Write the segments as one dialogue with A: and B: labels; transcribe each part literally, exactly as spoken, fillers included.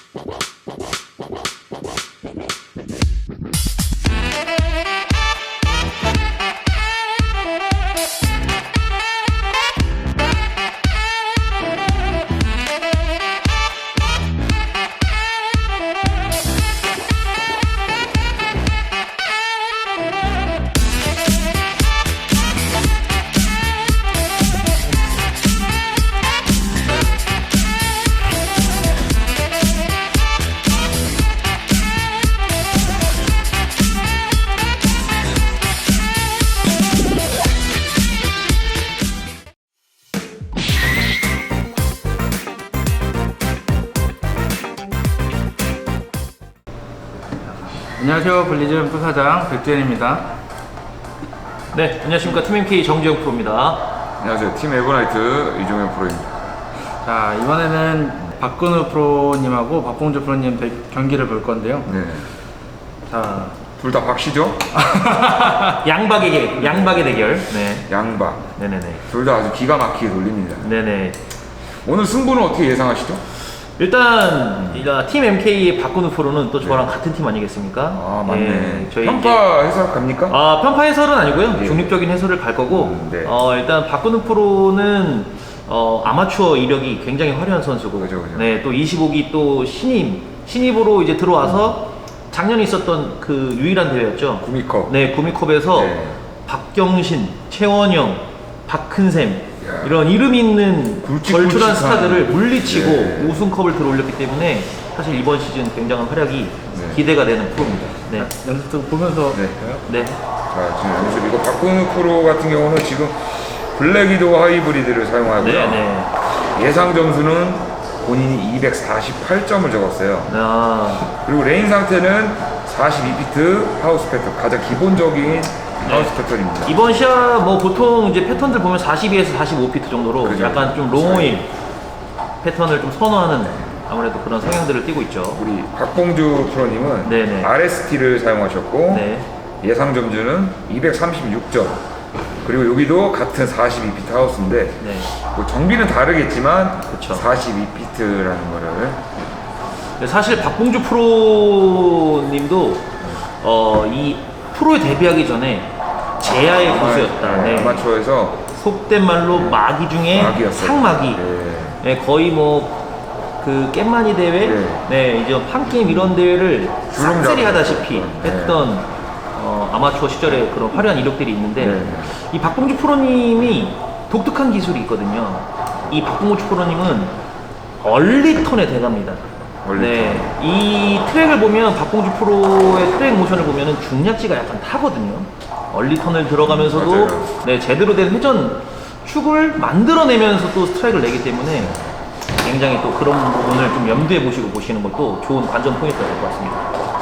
A: 안녕하세요. 블리즘 부사장 백주현입니다.
B: 네, 안녕하십니까. 팀 엠케이 정지영 프로입니다.
C: 안녕하세요. 팀 에버나이트 이종현 프로입니다.
A: 자, 이번에는 박근우 프로님하고 박봉주 프로님 대, 경기를 볼 건데요.
C: 네.
A: 자,
C: 둘 다 박씨죠?
B: 양박의 개, 양박의 대결. 네.
C: 양박.
B: 네네네.
C: 둘 다 아주 기가 막히게 돌립니다.
B: 네네.
C: 오늘 승부는 어떻게 예상하시죠?
B: 일단 팀 엠케이의 박근우 프로는 또 저랑 네. 같은 팀 아니겠습니까?
C: 아, 맞네.
B: 예, 저희
C: 평가 해설 갑니까?
B: 아, 편파 해설은 아니고요.
C: 예.
B: 중립적인 해설을 갈 거고.
C: 음, 네.
B: 어, 일단 박근우 프로는 어, 아마추어 이력이 굉장히 화려한 선수고.
C: 그죠, 그죠.
B: 네, 또 이십오 기 또 신임 신입으로 이제 들어와서 음. 작년에 있었던 그 유일한 대회였죠.
C: 구미컵.
B: 네, 구미컵에서
C: 네.
B: 박경신, 최원영, 박큰샘
C: 야.
B: 이런 이름 있는
C: 굵직굵직한
B: 걸출한 스타들을 물리치고
C: 네.
B: 우승컵을 들어올렸기 때문에 사실 이번 시즌 굉장한 활약이
C: 네.
B: 기대가 되는 프로입니다. 네.
A: 연습 좀 보면서
C: 네.
B: 네.
C: 자, 지금 연습 이거 박근우 프로 같은 경우는 지금 블랙이도 하이브리드를 사용하고요.
B: 네, 네.
C: 예상 점수는 본인이 이백사십팔 점을 적었어요.
B: 아,
C: 그리고 레인 상태는 사십이 피트 하우스 패턴, 가장 기본적인
B: 네.
C: 하우스 패턴입니다.
B: 이번 시합 뭐 보통 이제 패턴들 보면 사십이에서 사십오 피트 정도로
C: 그죠.
B: 약간 좀 롱오일 패턴을 좀 선호하는 아무래도 그런 성향들을 띠고 있죠.
C: 우리 박봉주 프로님은
B: 네네.
C: 알에스티를 사용하셨고
B: 네.
C: 예상 점수는 이백삼십육 점. 그리고 여기도 같은 사십이 피트 하우스인데
B: 네.
C: 뭐 정비는 다르겠지만
B: 그쵸.
C: 사십이 피트라는 거를
B: 사실 박봉주 프로님도 어, 이 프로에 데뷔하기 전에 제야의 고수였다. 네.
C: 아마추어에서
B: 속된 말로 마기 중에
C: 마기였어요.
B: 상마기.
C: 네.
B: 네, 거의 뭐 그 깻마니 대회,
C: 네.
B: 네, 이제 판 게임 이런 대회를
C: 주름
B: 싹쓸이
C: 잡고
B: 하다시피
C: 네.
B: 했던 어, 아마추어 시절의 그런 화려한 이력들이 있는데
C: 네.
B: 이 박봉주 프로님이 독특한 기술이 있거든요. 이 박봉주 프로님은 얼리턴에 대갑니다.
C: 얼리턴.
B: 네, 이 트랙을 보면 박봉주 프로의 트랙 모션을 보면은 중량지가 약간 타거든요. 얼리턴을 들어가면서도
C: 맞아요.
B: 네, 제대로 된 회전 축을 만들어내면서 또 스트라이크를 내기 때문에 굉장히 또 그런 부분을 좀 염두에 보시고 보시는 것도 좋은 관전 포인트가 될 것 같습니다.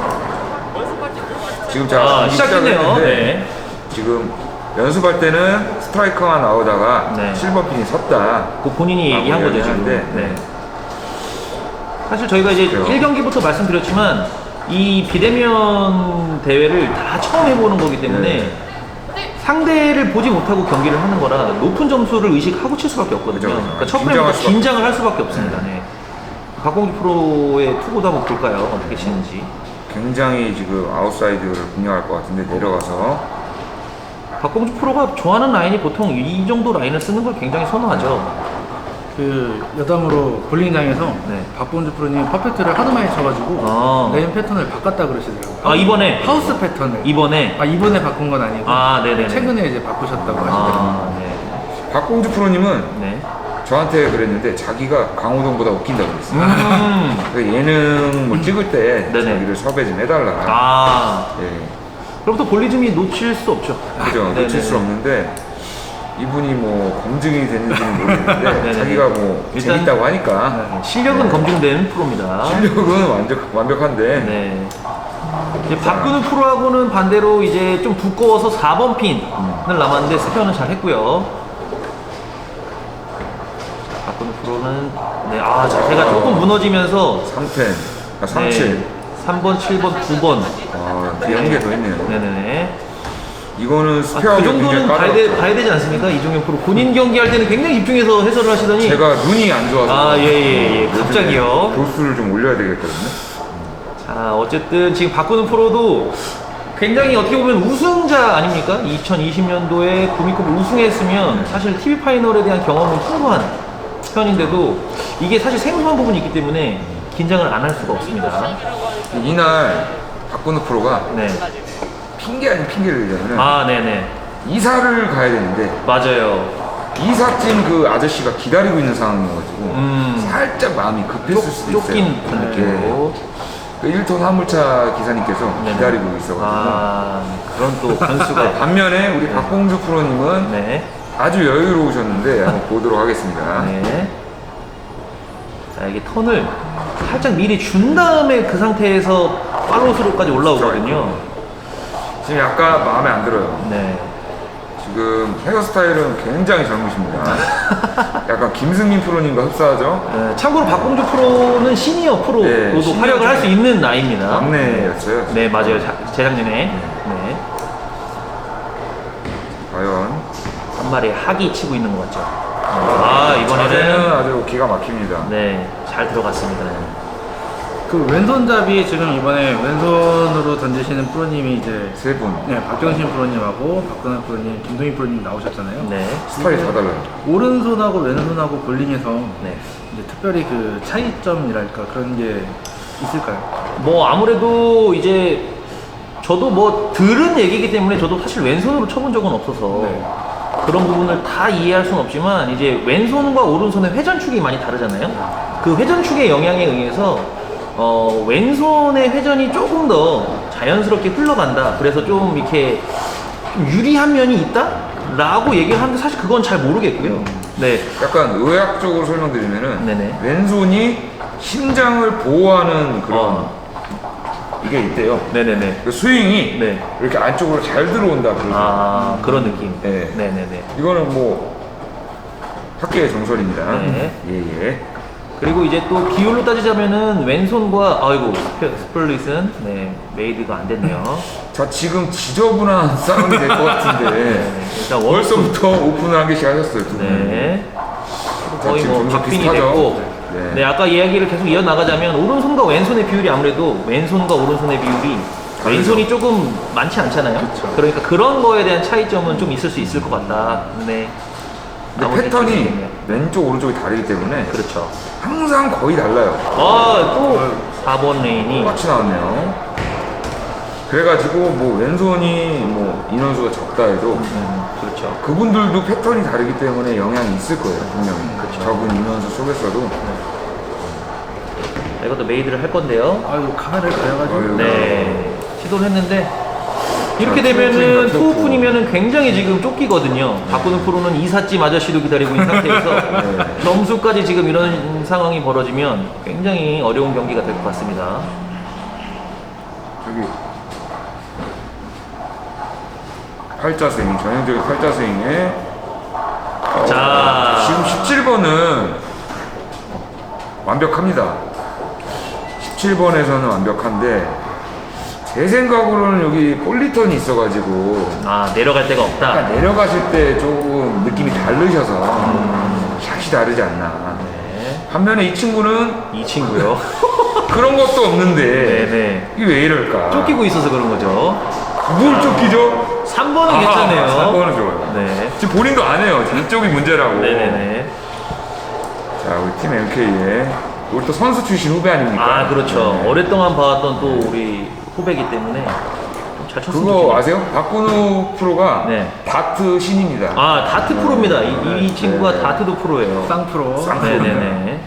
C: 지금 제가
B: 아,
C: 경기
B: 시작했네요.
C: 시작을 했는데
B: 네.
C: 지금 연습할 때는 스트라이커가 나오다가
B: 네.
C: 칠 번 핀이 섰다.
B: 그 본인이
C: 아,
B: 얘기한 거죠, 지금.
C: 얘기하는데,
B: 네. 사실 저희가 이제
C: 그래요.
B: 일 경기부터 말씀드렸지만 이 비대면 대회를 다 처음 해보는 거기 때문에
C: 네.
B: 상대를 보지 못하고 경기를 하는 거라 높은 점수를 의식하고 칠 수밖에 없거든요.
C: 그죠, 그죠.
B: 그러니까 첫
C: 긴장할
B: 번째부터
C: 수밖에
B: 긴장을 할 수밖에 없습니다. 네. 박봉주 프로의 투구도 한번 볼까요? 어떻게 치는지.
C: 굉장히 지금 아웃사이드를 공략할 것 같은데 내려가서
B: 박봉주 프로가 좋아하는 라인이 보통 이 정도 라인을 쓰는 걸 굉장히 선호하죠.
A: 그 여담으로 볼링장에서
B: 네.
A: 박봉주 프로님 퍼펙트를 하도 많이 쳐가지고
B: 아.
A: 레인 패턴을 바꿨다 그러시더라고요.
B: 아, 이번에?
A: 하우스 패턴을.
B: 이번에?
A: 아, 이번에 바꾼 건 아니고.
B: 아, 네네네.
A: 최근에 이제 바꾸셨다고 하시더라고요.
B: 아, 네.
C: 박봉주 프로님은
B: 네.
C: 저한테 그랬는데 자기가 강호동보다 웃긴다고 그랬어요.
B: 음.
C: 그 예능 뭐 찍을 때
B: 네네.
C: 자기를 섭외 좀 해달라.
B: 아.
C: 예.
B: 그럼 또 볼리즘이 놓칠 수 없죠.
C: 그죠.
B: 네네네.
C: 놓칠 수 없는데 이분이 뭐 검증이 됐는지는 모르겠는데
B: 네네네.
C: 자기가 뭐
B: 일단-
C: 재밌다고 하니까
B: 네, 실력은
C: 네.
B: 검증된 프로입니다.
C: 실력은 완벽, 완벽한데
B: 네. 이제 박근우 프로하고는 반대로 이제 좀 두꺼워서 사 번 핀을 남았는데 스페어는 잘 했고요. 박근우 프로는 네, 아, 자세가 조금 무너지면서
C: 삼 텐, 아, 삼 칠.
B: 네, 삼 번, 칠 번, 구 번.
C: 아, 그 연계 더 있네요.
B: 네네네.
C: 이거는
B: 아,
C: 스페어가
B: 그 정도는 봐야, 되, 봐야 되지 않습니까? 이종현 프로 본인 경기할 때는 굉장히 집중해서 해설을 하시더니
C: 제가 눈이 안 좋아서
B: 아, 예, 예, 예. 갑자기요.
C: 도수를 좀 올려야 되겠거든요.
B: 자, 어쨌든 지금 박근우 프로도 굉장히 어떻게 보면 우승자 아닙니까? 이천이십 년도에 구미컵을 우승했으면 사실 티비 파이널에 대한 경험은 풍부한 편인데도 이게 사실 생소한 부분이 있기 때문에 긴장을 안 할 수가 없습니다.
C: 이날 박근우 프로가
B: 네.
C: 핑계 아닌 핑계를 대자면
B: 아, 네네.
C: 이사를 가야 되는데
B: 맞아요.
C: 이삿짐 그 아저씨가 기다리고 있는 상황이어가지고
B: 음.
C: 살짝 마음이 급했을
B: 쫓,
C: 수도 있어요.
B: 쫓긴 그 느낌으로.
C: 그 일 톤 화물차 기사님께서
B: 네네.
C: 기다리고 있어가지고
B: 아, 그런 또 변수가.
C: 반면에 우리 박봉주 프로님은
B: 네.
C: 아주 여유로우셨는데 한번 보도록 하겠습니다.
B: 네. 자, 이게 턴을 살짝 미리 준 다음에 그 상태에서 팔로우스루까지 올라오거든요.
C: 지금 약간 마음에 안 들어요.
B: 네.
C: 지금 헤어스타일은 굉장히 젊으십니다. 약간 김승민 프로님과 흡사하죠?
B: 네, 참고로 박봉주 프로는 시니어 프로로도
C: 네, 시니어
B: 활약을 할 수
C: 중에
B: 있는 나이입니다.
C: 막내였어요.
B: 네, 맞아요. 자, 재작년에. 네.
C: 과연
B: 한 마리 학이 치고 있는 것 같죠. 아,
C: 자세는
B: 이번에는
C: 아주 기가 막힙니다.
B: 네, 잘 들어갔습니다.
A: 그 왼손잡이 지금 이번에 왼손으로 던지시는 프로님이 이제
C: 세 분.
A: 네, 박경신 프로님하고 박근혜 프로님, 김동희 프로님 나오셨잖아요.
B: 네.
C: 스타일이 다 달라요.
A: 오른손하고 왼손하고 볼링에서
B: 네.
A: 이제 특별히 그 차이점이랄까 그런 게 있을까요?
B: 뭐 아무래도 이제 저도 뭐 들은 얘기이기 때문에 저도 사실 왼손으로 쳐본 적은 없어서
A: 네.
B: 그런 부분을 다 이해할 수는 없지만 이제 왼손과 오른손의 회전축이 많이 다르잖아요. 그 회전축의 영향에 의해서 어, 왼손의 회전이 조금 더 자연스럽게 흘러간다. 그래서 좀 이렇게 좀 유리한 면이 있다? 라고 얘기를 하는데 사실 그건 잘 모르겠고요. 네.
C: 약간 의학적으로 설명드리면은
B: 네네.
C: 왼손이 심장을 보호하는 그런
B: 어.
C: 이게 있대요.
B: 네네네.
C: 그 스윙이
B: 네.
C: 이렇게 안쪽으로 잘 들어온다. 그러죠.
B: 아, 그런 느낌.
C: 네.
B: 네네네.
C: 이거는 뭐 학계의 정설입니다.
B: 네.
C: 예예.
B: 그리고 이제 또 비율로 따지자면은 왼손과 아이고 스페- 스플릿은 네 메이드가 안 됐네요.
C: 자 지금 지저분한 싸움이 될 것 같은데
B: 네, 일단 원
C: 벌써부터 오픈을 한 개씩 하셨어요 두 분.
B: 네
C: 자,
B: 거의
C: 지금
B: 뭐
C: 점수
B: 박빙이
C: 비슷하죠?
B: 됐고
C: 네.
B: 네 아까 이야기를 계속 이어 나가자면 오른손과 왼손의 비율이 아무래도 왼손과 오른손의 비율이 왼손이 조금 많지 않잖아요.
A: 그쵸.
B: 그러니까 그런 거에 대한 차이점은 좀 있을 수 있을 것 같다. 네.
C: 근데
B: 아무튼
C: 패턴이
B: 재밌겠네요.
C: 왼쪽 오른쪽이 다르기 때문에
B: 그렇죠.
C: 항상 거의 달라요.
B: 아또 사 번 레인이
C: 똑같이 나왔네요. 그래가지고 뭐 왼손이 뭐 인원수가 적다 해도
B: 음, 그렇죠.
C: 그분들도 패턴이 다르기 때문에 영향이 있을 거예요 분명히.
B: 그쵸.
C: 적은 인원수 속에서도.
B: 자, 이것도 메이드를 할 건데요.
A: 아이고 카메라를 가려가지고
C: 아유.
B: 네, 시도를 했는데 이렇게
C: 자,
B: 되면은
C: 투오픈이다, 투오픈.
B: 투오픈이면은 굉장히 지금 쫓기거든요. 박근우 프로는 이삿짐 아저씨도 기다리고 있는 상태에서
C: 네.
B: 점수까지 지금 이런 상황이 벌어지면 굉장히 어려운 경기가 될 것 같습니다.
C: 저기 팔자 스윙, 전형적인 팔자 스윙에 어,
B: 자.
C: 지금 십칠 번은 완벽합니다. 십칠 번에서는 완벽한데 제 생각으로는 여기 볼리턴이 있어가지고
B: 아, 내려갈 데가 없다.
C: 약간 내려가실 때 조금 느낌이 다르셔서 샷이 다르지 않나.
B: 네.
C: 반면에 이 친구는
B: 이 친구요.
C: 그런 것도 없는데
B: 네네.
C: 이게 왜 이럴까?
B: 쫓기고 있어서 그런 거죠.
C: 뭘 쫓기죠?
B: 삼 번은
C: 아하,
B: 괜찮네요.
C: 삼 번은 좋아요.
B: 네.
C: 지금 본인도 안 해요. 이쪽이 문제라고.
B: 네네네.
C: 자, 우리 팀 엠케이의 우리 또 선수 출신 후배 아닙니까?
B: 아, 그렇죠.
C: 네.
B: 오랫동안 봐왔던 또 우리 후배기 때문에 좀 잘 쳤으면
C: 그거
B: 좋겠네요.
C: 아세요? 박근우 프로가
B: 네.
C: 다트 신입니다.
B: 아, 다트 프로입니다. 이, 이 친구가
C: 네.
B: 다트도 프로예요.
A: 쌍프로.
C: 쌍-
B: 네네네.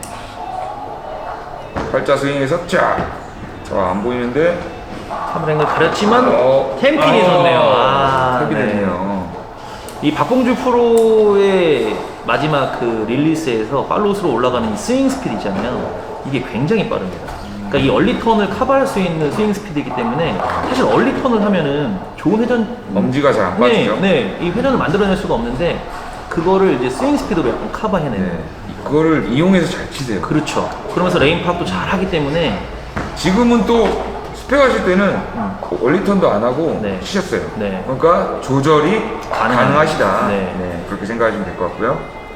C: 팔자 스윙에서 쫙. 저 안 보이는데
B: 삼랭을 가렸지만
C: 어.
B: 템핀이
C: 아,
B: 좋네요. 아,
C: 탭이
B: 네.
C: 됐네요.
B: 이 박봉주 프로의 마지막 그 릴리스에서 팔로우스로 올라가는 이 스윙 스피드 있잖아요. 이게 굉장히 빠릅니다. 그러니까 이 얼리 턴을 커버할 수 있는 스윙 스피드이기 때문에 사실 얼리 턴을 하면은 좋은 회전
C: 엄지가 잘 안
B: 네,
C: 빠지죠?
B: 네, 이 회전을 만들어낼 수가 없는데 그거를 이제 스윙 스피드로 약간 커버해내는.
C: 네. 그거를 이용해서 잘 치세요.
B: 그렇죠. 그러면서 레인 파악도 잘 하기 때문에
C: 지금은 또 스펙하실 때는 원리턴도 안 하고
B: 네.
C: 치셨어요.
B: 네.
C: 그러니까 조절이
B: 가능한-
C: 가능하시다.
B: 네.
C: 네, 그렇게 생각하시면 될 것 같고요.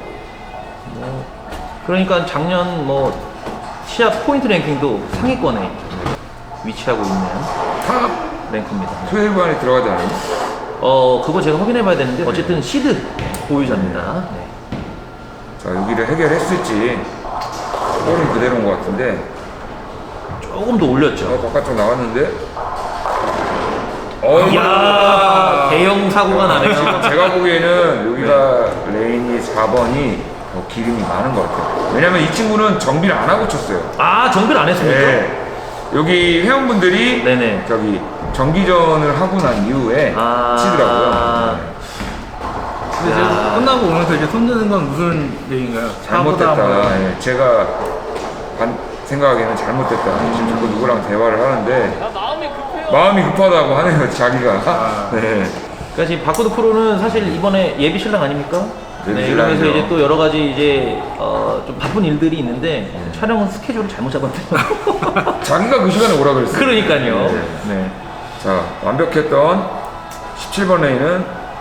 B: 그러니까 작년 뭐 시합 포인트 랭킹도 상위권에 위치하고 있는
C: 탑
B: 랭크입니다.
C: 십이 안에 들어가지 않아요?
B: 어 그거 제가 확인해 봐야 되는데 어쨌든 시드 보유자입니다. 네.
C: 자, 여기를 해결했을지 볼은 그대로인 것 같은데
B: 조금 더 올렸죠.
C: 어, 바깥쪽 나왔는데 어,
B: 이야 대형 사고가 나네요.
C: 지금 제가 보기에는 여기가 레인이 사 번이 더 기름이 많은 것 같아요. 왜냐면 이 친구는 정비를 안 하고 쳤어요.
B: 아 정비를 안 했습니까?
C: 네. 여기 회원분들이
B: 네네.
C: 저기 정기전을 하고 난 이후에
B: 아.
C: 치더라고요. 네.
A: 근데 지금
B: 야.
A: 끝나고 오면서 이제 손드는 건 무슨 얘기인가요?
C: 잘못됐다.
A: 차보다 뭐-
C: 예, 제가 반, 생각하기에는 잘못됐다. 지금 자꾸 누구랑 대화를 하는데 마음이 급하다고 하네요, 자기가.
A: 아.
C: 네.
B: 그러니까 지금 바코드 프로는 사실 이번에 예비 신랑 아닙니까?
C: 예비
B: 네, 이러면서
C: 신랑이죠.
B: 이제 또 여러 가지 이제 어, 좀 바쁜 일들이 있는데 촬영은 스케줄을 잘못 잡았대요.
C: 자기가 그 시간에 오라 그랬어요.
B: 그러니까요.
C: 네.
B: 네.
C: 자, 완벽했던 십칠 번 레인은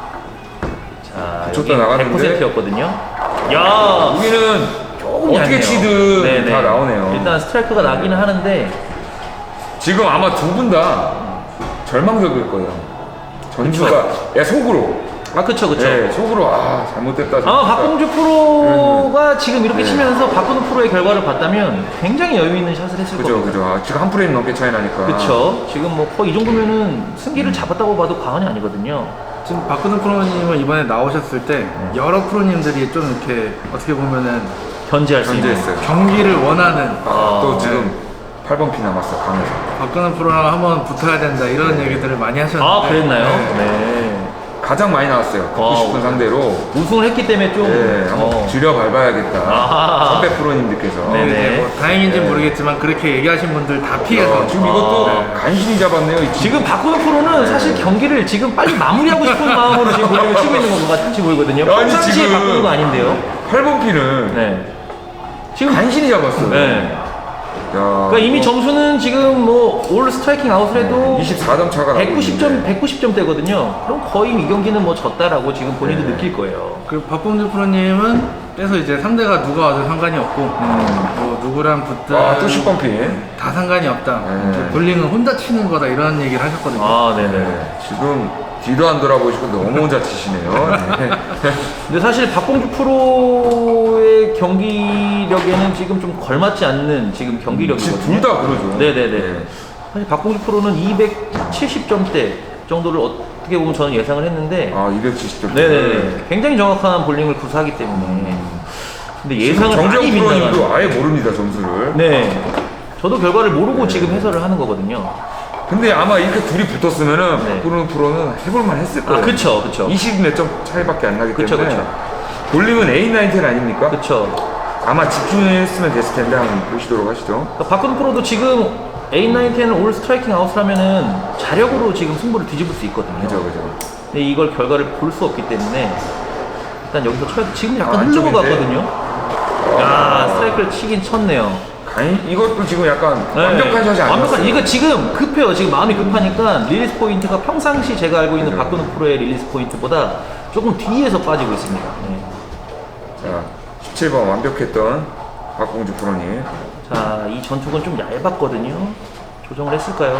B: 자,
C: 줬다
B: 여기
C: 나가는데.
B: 백 퍼센트였거든요. 야,
C: 여기는
B: 조금
C: 어떻게
B: 얇네요.
C: 치든
B: 네네.
C: 다 나오네요.
B: 일단 스트라이크가 나기는 하는데
C: 지금 아마 두 분 다 절망적일 거예요. 전주가 야 속으로
B: 아 그쵸 그쵸.
C: 네, 속으로 아 잘못됐다.
B: 아마
C: 잘못됐다.
B: 박봉주 프로가 지금 이렇게
C: 네.
B: 치면서 바꾸는 프로의 결과를 봤다면 굉장히 여유 있는 샷을 했을
C: 그죠
B: 겁니다.
C: 그죠. 아, 지금 한 프레임 넘게 차이 나니까.
B: 그쵸. 지금 뭐 거의 이 정도면은 승기를 잡았다고 봐도 과언이 아니거든요.
A: 지금 박근혜 프로님은 이번에 나오셨을 때 여러 프로님들이 좀 이렇게 어떻게 보면은
B: 견제할 수 있는.
C: 견제했어요.
A: 경기를 원하는
C: 아, 또
B: 아,
C: 지금 팔 번 피 남았어 강에서.
A: 박근혜 프로랑 한번 붙어야 된다 이런 얘기들을 많이 하셨는데
B: 아 그랬나요?
A: 네.
B: 네.
C: 가장 많이 나왔어요. 듣고 싶은
B: 와우.
C: 상대로.
B: 우승을 했기 때문에 좀
C: 네, 한번
B: 어,
C: 줄여 밟아야겠다.
B: 아하.
C: 선배 프로님들께서.
B: 네네.
A: 이제 뭐 다행인지
C: 네.
A: 모르겠지만 그렇게 얘기하신 분들 다 피해서
C: 어, 지금 이것도
A: 네.
C: 간신히 잡았네요. 이 친구.
B: 지금 박구현 프로는 사실 경기를 지금 빨리 마무리하고 싶은 마음으로 지금 볼링을 치고 있는 것 같이 보이거든요.
C: 아니,
B: 평상시에
C: 지금-
B: 바꾸는 거 아닌데요.
C: 팔 번 피는
B: 네. 지금
C: 간신히 잡았어요.
B: 네.
C: 야,
B: 그러니까 이미 점수는 지금 뭐 올 스트라이킹 아웃을 해도
C: 이십사 점 차가 나고
B: 백구십 점
C: 있는데.
B: 백구십 점대거든요. 그럼 거의 이 경기는 뭐 졌다라고 지금 본인도
C: 네.
B: 느낄 거예요.
A: 그 박봉주 프로님은 그래서 이제 상대가 누가 와도 상관이 없고 뭐 누구랑 붙든
C: 아, 또 십 번 피.
A: 다 상관이 없다.
C: 네.
A: 이제 볼링은 혼자 치는 거다 이런 얘기를 하셨거든요.
B: 아, 네네.
C: 네, 지금 뒤도 안 돌아보시고 너무 혼자 치시네요. 네.
B: 근데 사실 박봉주 프로의 경기력에는 지금 좀 걸맞지 않는 지금 경기력이거든요.
C: 지금 둘 다 그러죠.
B: 네네네.
C: 네.
B: 사실 박봉주 프로는 이백칠십 점대 정도를 어떻게 보면 저는 예상을 했는데,
C: 아, 이백칠십 점.
B: 네네네. 굉장히 정확한 볼링을 구사하기 때문에. 근데 예상을
C: 정정
B: 많이
C: 프로님도
B: 빗나가는.
C: 아예 모릅니다, 점수를.
B: 네. 저도 결과를 모르고
C: 네.
B: 지금 해설을 하는 거거든요.
C: 근데 아마 이렇게 둘이 붙었으면은
B: 네.
C: 박구르 프로는 해볼만 했을 거예요.
B: 아, 그쵸, 그쵸.
C: 이십 몇 점 차이밖에 안 나기
B: 그쵸,
C: 때문에.
B: 그쵸.
C: 볼링은 에이 나인 텐 아닙니까?
B: 그쵸.
C: 아마 집중했으면 됐을 텐데 한번 보시도록 하시죠.
B: 그러니까 박근 프로도 지금 에잇, 나인, 텐을 올 스트라이킹 아웃을 하면은 자력으로 지금 승부를 뒤집을 수 있거든요.
C: 그죠, 그죠.
B: 근데 이걸 결과를 볼 수 없기 때문에 일단 여기서 쳐야 지금 약간
C: 아,
B: 흐르고
C: 안쪽인데?
B: 갔거든요. 야 스트라이크를 치긴 쳤네요.
C: 아니, 이것도 지금 약간
B: 네.
C: 완벽한 샷이 아니었어요.
B: 완벽한 이거 지금 급해요. 지금 마음이 급하니까 릴리스 포인트가 평상시 제가 알고 있는
C: 그죠.
B: 박근우 프로의 릴리스 포인트보다 조금 뒤에서 빠지고 있습니다. 네.
C: 자, 십칠 번 완벽했던 박공주 프로님.
B: 자, 이 전투건 좀 얇았거든요. 조정을 했을까요?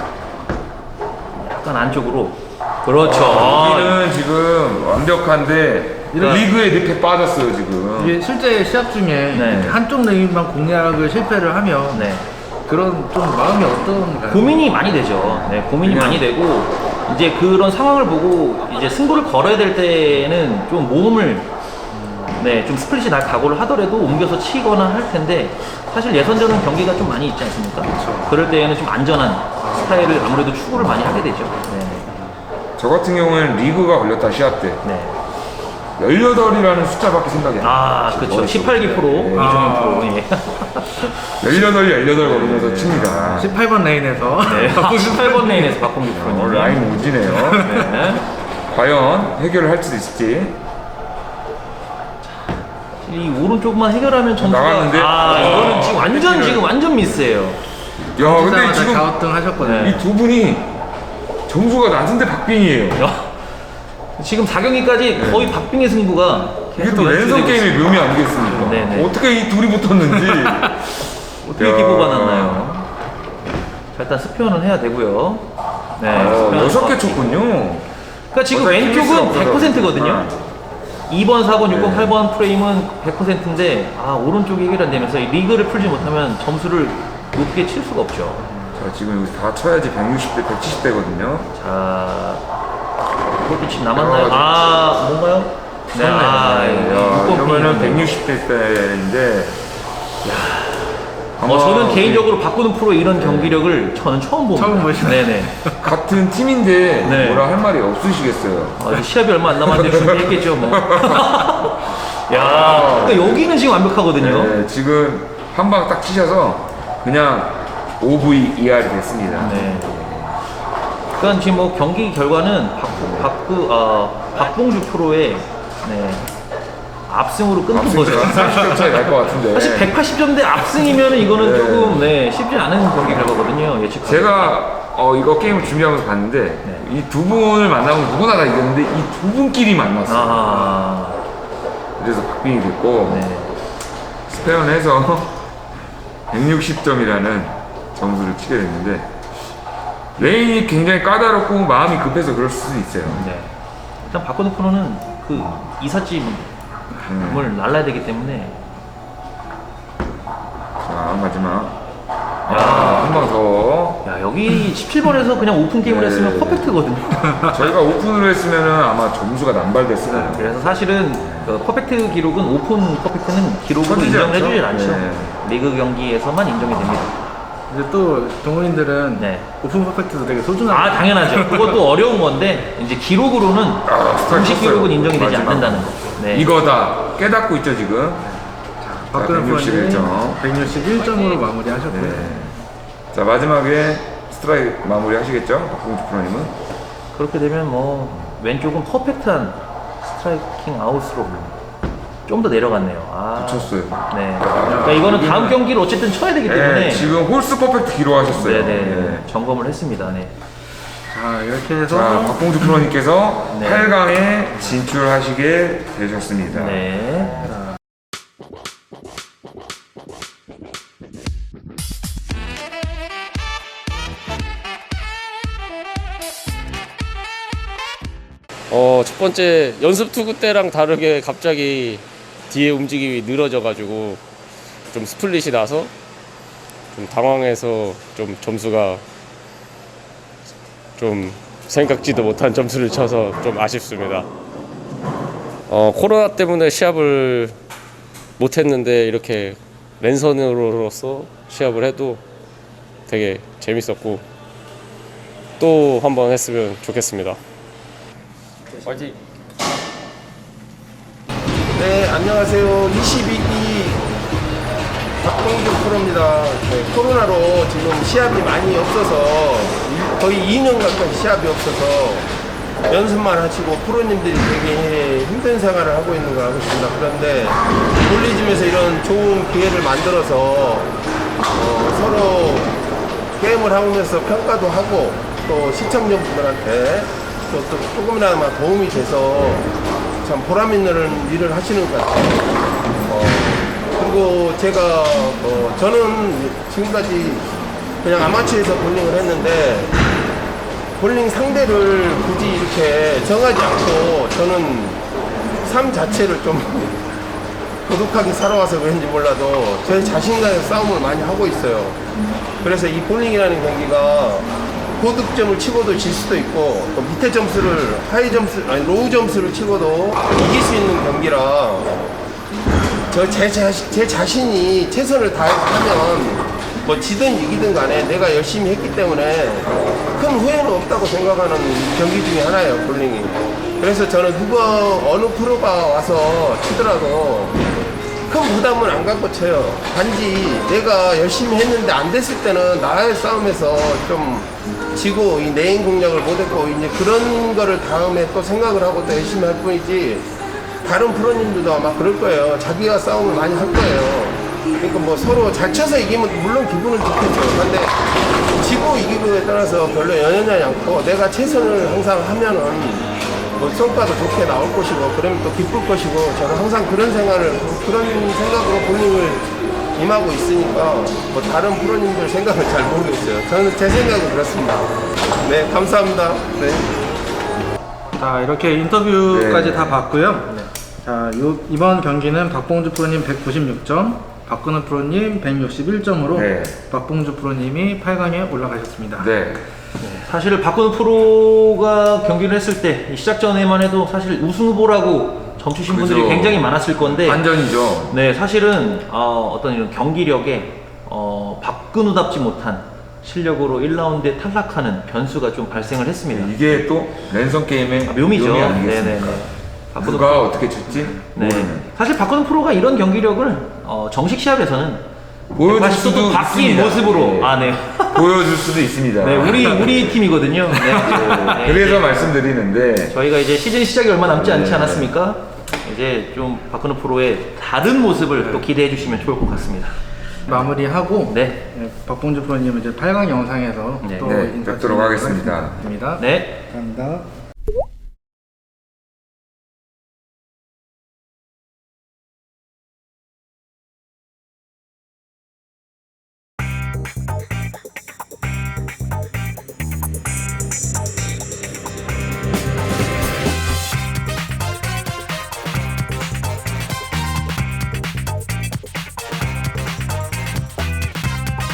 B: 약간 안쪽으로. 그렇죠. 아,
C: 여기는 지금 완벽한데
B: 이런-
C: 리그에 늪에 빠졌어요 지금.
A: 이게 실제 시합 중에
B: 네.
A: 한쪽 레인만 공략을 실패를 하면
B: 네.
A: 그런 좀 마음이 어떤가요?
B: 고민이 많이 되죠. 네, 고민이
C: 그냥-
B: 많이 되고 이제 그런 상황을 보고 이제 승부를 걸어야 될 때는 좀 몸을 네, 좀 스플릿이 날 각오를 하더라도 옮겨서 치거나 할 텐데 사실 예선전은 경기가 좀 많이 있지 않습니까?
A: 그렇죠.
B: 그럴 때에는 좀 안전한 스타일을 아무래도 추구를 많이 하게 되죠. 네.
C: 저 같은 경우에는 리그가 걸렸다 시합 때
B: 네.
C: 열여덟이라는 숫자밖에 생각이 안 나요.
B: 아, 그렇죠. 십팔 기 프로
C: 네.
B: 이종현
A: 아.
B: 프로. 예.
C: 열여덟, 열여덟 거리면서 칩니다.
A: 십팔 번 레인에서
B: 네. 십팔 번 레인에서 박홍기 프로.
C: 어, 라인 오지네요.
B: 네.
C: 과연 해결을 할 수도 있을지.
B: 이 오른쪽만 해결하면 점수가
C: 나갔는데?
B: 아,
C: 어,
B: 이거는 지금 완전
C: 패티를-
B: 지금 완전 미스예요.
C: 야, 근데
A: 근데
C: 지금
A: 가우등 하셨거든요.
B: 네.
C: 이 두 분이 점수가 낮은데 박빙이에요.
B: 야, 지금 사 경기까지 거의 박빙의 승부가
C: 이게
B: 계속
C: 또 랜선
B: 연출되고
C: 게임의 묘미 아니겠습니까?
B: 네네.
C: 어떻게 이 둘이 붙었는지.
B: 어떻게
C: 야.
B: 기고가 났나요? 자, 일단 스피어는 해야 되고요. 네,
C: 어,
B: 스피어는
C: 여섯 개
B: 좋았고.
C: 쳤군요.
B: 그러니까 지금
C: 어차피
B: 왼쪽은
C: 필수가
B: 백 퍼센트거든요.
C: 없어서.
B: 이 번, 사 번, 육 번,
C: 네.
B: 팔 번 프레임은 백 퍼센트인데 아 오른쪽이 해결 안 되면서 이 리그를 풀지 못하면 점수를 높게 칠 수가 없죠.
C: 자, 지금 여기서 다 쳐야지 백육십 대, 백칠십 대거든요.
B: 자, 그것도 지금 남았나요?
C: 야,
B: 아, 뭔가요? 네, 아,
C: 야,
B: 육 번
C: 그러면은
B: 핀이네요.
C: 백육십 대인데.
B: 어, 저는 개인적으로 바꾸는 프로 이런 경기력을 저는 처음 봅니다.
A: 처음 보시나요?
B: 네네.
C: 같은 팀인데
B: 네.
C: 뭐라 할 말이 없으시겠어요.
B: 아, 이제 시합이 얼마 안 남았는데 준비했겠죠, 뭐. 야, 그러니까 여기는 지금 완벽하거든요.
C: 네, 지금 한 방 딱 치셔서 그냥 오브이이알이 됐습니다.
B: 네. 그러니까 지금 뭐 경기 결과는 박, 박구, 어, 박봉주 프로의 네, 압승으로 끊는 거죠.
C: 삼십 점 차이 날 것 같은데.
B: 사실 백팔십 점대 압승이면 이거는
C: 네.
B: 조금 네, 쉽지 않은 경기 결과거든요. 예측.
C: 제가 어, 이거 게임을 준비하면서 봤는데
B: 네.
C: 이 두 분을 만나면 누구나 다 이겼는데 이 두 분끼리 만났어요.
B: 아,
C: 그래서 박빙이 됐고
B: 네.
C: 스페어는 해서 백육십 점이라는 점수를 치게 됐는데 레인이 굉장히 까다롭고 마음이 급해서 그럴 수도 있어요.
B: 네. 일단 박건우 프로는 그 이삿짐을
C: 음.
B: 날라야 되기 때문에
C: 자, 마지막
B: 야,
C: 한 방 더.
B: 야 여기 십칠 번에서 그냥 오픈 게임을
C: 네.
B: 했으면 퍼펙트거든요.
C: 저희가 오픈을 했으면은 아마 점수가 남발됐을 거예요.
B: 그래서 사실은 그 퍼펙트 기록은 오픈 퍼펙트는 기록으로
C: 쳐지지
B: 인정을
C: 않죠?
B: 해주질 않죠.
C: 네.
B: 리그 경기에서만 인정이 됩니다.
A: 이제 또 동호인들은
B: 네.
A: 오픈 퍼펙트도 되게 소중한.
B: 아 당연하죠. 그것도 어려운 건데 이제 기록으로는
C: 아, 스타일
B: 공식
C: 쳤어요.
B: 기록은 인정이 되지
C: 마지막.
B: 않는다는 거. 네.
C: 이거다 깨닫고 있죠 지금.
A: 박근혜
C: 백육십일 점.
A: 프로님 백육십일 점으로 마무리하셨고요.
C: 네. 자 마지막에 스트라이크 마무리 하시겠죠? 박봉주 프로님은.
B: 그렇게 되면 뭐 왼쪽은 퍼펙트한 스트라이킹 아웃으로 좀 더 내려갔네요. 아,
C: 쳤어요.
B: 네. 그러니까 이거는 다음 경기를 어쨌든 쳐야 되기 때문에
C: 네, 지금 홀스 퍼펙트 기록하셨어요.
B: 네네
C: 네.
B: 점검을 했습니다. 네.
A: 자 이렇게 해서
C: 자 박봉주 프로님께서
B: 네.
C: 팔 강에 진출하시게 되셨습니다.
B: 네.
D: 어, 첫 번째 연습 투구 때랑 다르게 갑자기 뒤에 움직임이 늘어져가지고 좀 스플릿이 나서 좀 당황해서 좀 점수가 좀 생각지도 못한 점수를 쳐서 좀 아쉽습니다. 어, 코로나 때문에 시합을 못했는데 이렇게 랜선으로서 시합을 해도 되게 재밌었고 또 한번 했으면 좋겠습니다. 화이팅!
E: 네, 안녕하세요. 이십이 기 박봉주 프로입니다. 네, 코로나로 지금 시합이 많이 없어서 거의 이 년 가까이 시합이 없어서 연습만 하시고 프로님들이 되게 힘든 생활을 하고 있는 것 같습니다. 그런데 홀리즘에서 이런 좋은 기회를 만들어서 어, 서로 게임을 하면서 평가도 하고 또 시청자분들한테 또, 또 조금이나마 도움이 돼서 참 보람 있는 일을 하시는 것 같아요. 어, 그리고 제가 어, 저는 지금까지 그냥 아마추어에서 볼링을 했는데 볼링 상대를 굳이 이렇게 정하지 않고 저는 삶 자체를 좀 고독하게 살아와서 그런지 몰라도 제 자신과의 싸움을 많이 하고 있어요. 그래서 이 볼링이라는 경기가 고득점을 치고도 질 수도 있고 또 밑에 점수를 하이 점수 아니 로우 점수를 치고도 이길 수 있는 경기라 저 제 제 자신이 최선을 다해서 하면 뭐 지든 이기든 간에 내가 열심히 했기 때문에 큰 후회는 없다고 생각하는 경기 중에 하나예요, 볼링이. 그래서 저는 누가 어느 프로가 와서 치더라도 큰 부담은 안 갖고 쳐요. 단지 내가 열심히 했는데 안 됐을 때는 나의 싸움에서 좀 지고 이 내인 공략을 못했고 이제 그런 거를 다음에 또 생각을 하고 또 열심히 할 뿐이지 다른 프로님들도 아마 그럴 거예요. 자기가 싸움을 많이 할 거예요. 그러니까 뭐 서로 잘 쳐서 이기면 물론 기분은 좋겠죠. 근데 지고 이기고에 따라서 별로 연연하지 않고 내가 최선을 항상 하면은 뭐 성과도 좋게 나올 것이고 그러면 또 기쁠 것이고 저는 항상 그런 생각을 그런 생각으로 볼링을 임하고 있으니까 뭐 다른 프로님들 생각을 잘 모르겠어요. 저는 제 생각은 그렇습니다. 네, 감사합니다. 네.
A: 자, 이렇게 인터뷰까지
C: 네.
A: 다 봤고요. 자, 요, 이번 경기는 박봉주 프로님 백구십육 점, 박근우 프로님 백육십일 점으로
C: 네.
A: 박봉주 프로님이 팔 강에 올라가셨습니다.
C: 네.
B: 사실 박근우 프로가 경기를 했을 때 시작 전에만 해도 사실 우승 후보라고 점치신
C: 그죠.
B: 분들이 굉장히 많았을 건데
C: 반전이죠.
B: 네, 사실은 어, 어떤 이런 경기력에 어, 박근우답지 못한 실력으로 일 라운드에 탈락하는 변수가 좀 발생을 했습니다.
C: 이게 또 랜선 게임의
B: 아, 묘미죠.
C: 묘미 아니겠습니까?
B: 네네네. 박근우
C: 누가
B: 프로.
C: 어떻게 칠지
B: 네.
C: 모르는.
B: 사실 박근우 프로가 이런 경기력을 어, 정식 시합에서는
C: 보여줄
B: 백팔십 도
C: 수도
B: 바뀐
C: 있습니다.
B: 모습으로
C: 네.
B: 아, 네.
C: 보여줄 수도 있습니다.
B: 네, 우리 우리 팀이거든요. 네. 네.
C: 그래서 말씀드리는데
B: 저희가 이제 시즌 시작이 얼마 남지 않지
C: 네.
B: 않았습니까? 이제 좀 박근우 프로의 다른 모습을 또 기대해 주시면 좋을 것 같습니다.
A: 마무리하고
B: 네.
A: 네, 박봉주 프로님은 이제 팔 강 영상에서
B: 네.
A: 또
C: 네,
A: 인사
C: 뵙도록 하겠습니다.
A: 드리겠습니다.
B: 네.
A: 감사합니다.